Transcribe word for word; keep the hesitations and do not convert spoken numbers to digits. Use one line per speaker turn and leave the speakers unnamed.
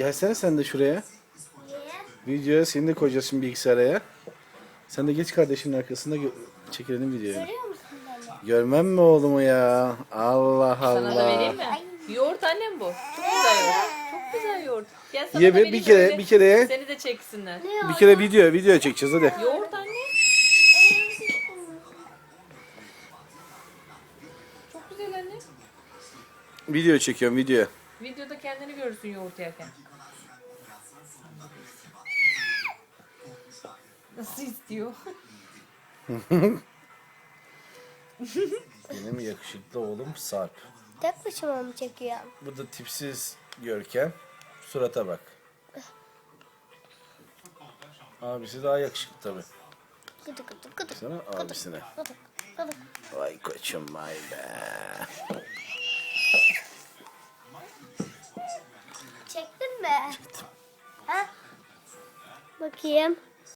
Gelsene sen de şuraya.
Niye?
Videoya seni de koyacağız şimdi bilgisayara. Sen de geç kardeşinin arkasında gö- çekelim videoyu.
Görüyor musun beni?
Görmem mi oğlumu ya? Allah
Sana da vereyim
Allah.
mi? Yoğurt annem bu. Çok güzel yoğurt. Çok güzel yoğurt. Gel sana
Ye
da
bir,
vereyim
bir kere
öyle
bir kere
Seni de çeksinler.
Ne
bir kere video video çekeceğiz hadi.
Yoğurt anne. Çok güzel anne.
Video çekiyorum video.
Videoda kendini görürsün yoğurt yerken. Nasıl istiyor?
Benim yakışıklı oğlum Sarp.
Tek başıma mı çekiyorum?
Bu da tipsiz Görkem. Surata bak. Abisi daha yakışıklı tabii.
Gıdı gıdı gıdı.
Sana abisine.
Gıdı gıdı.
Vay koçum vay be.
Çektin mi? Çektim. Ha? Bakayım.